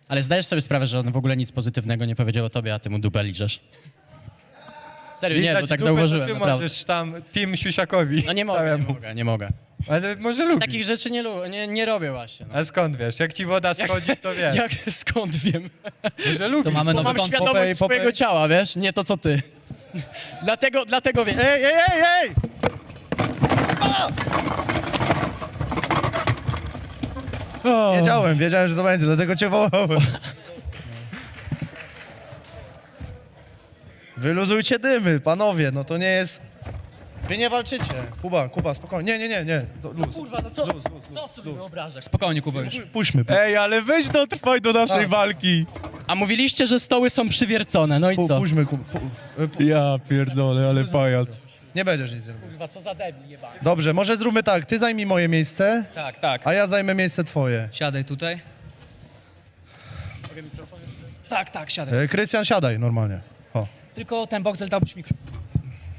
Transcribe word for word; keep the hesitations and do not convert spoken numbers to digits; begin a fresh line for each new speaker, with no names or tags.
Ale zdajesz sobie sprawę, że on w ogóle nic pozytywnego nie powiedział o tobie, a ty mu dupę liżesz? Serio, nie,
Widać
bo tak
dupę, to
zauważyłem,
Ty
naprawdę.
możesz tam Team Siusiakowi.
No nie mogę, nie
całemu.
mogę, nie mogę.
Ale może lubisz.
Takich rzeczy nie, lu- nie, nie robię właśnie. No.
A skąd wiesz? Jak ci woda schodzi, to wiesz.
Jak, skąd wiem?
Że lubisz.
To mamy
Bo
nowy
mam
kąt
świadomość
Popeye,
swojego
Popeye.
ciała, wiesz? Nie to, co ty. dlatego, dlatego wiem.
Ej, ej, ej, ej! Wiedziałem, wiedziałem, że to będzie, dlatego cię wołałem. Wyluzujcie dymy, panowie, no to nie jest... Wy nie walczycie. Kuba, Kuba, spokojnie. Nie, nie, nie, nie. To luz.
Kurwa, no co,
Luz, luz, luz,
co sobie wyobrażasz?
Spokojnie, Kuba, już. Puśćmy. pu-
Ej, ale weź dotrwaj do naszej
Tak.
walki.
A mówiliście, że stoły są przywiercone, no i
pu-
co?
Puśćmy, Kuba. Pu- y, pu-
Ja pierdolę, ale pajac.
Nie będziesz nic robił.
Kurwa, co za debil jebany.
Dobrze, może zróbmy tak. Ty zajmij moje miejsce,
Tak, tak.
a ja zajmę miejsce twoje.
Siadaj tutaj. Tak, tak, siadaj.
E, Krystian, siadaj normalnie. O.
Tylko ten boxel dałbyś mikrofon.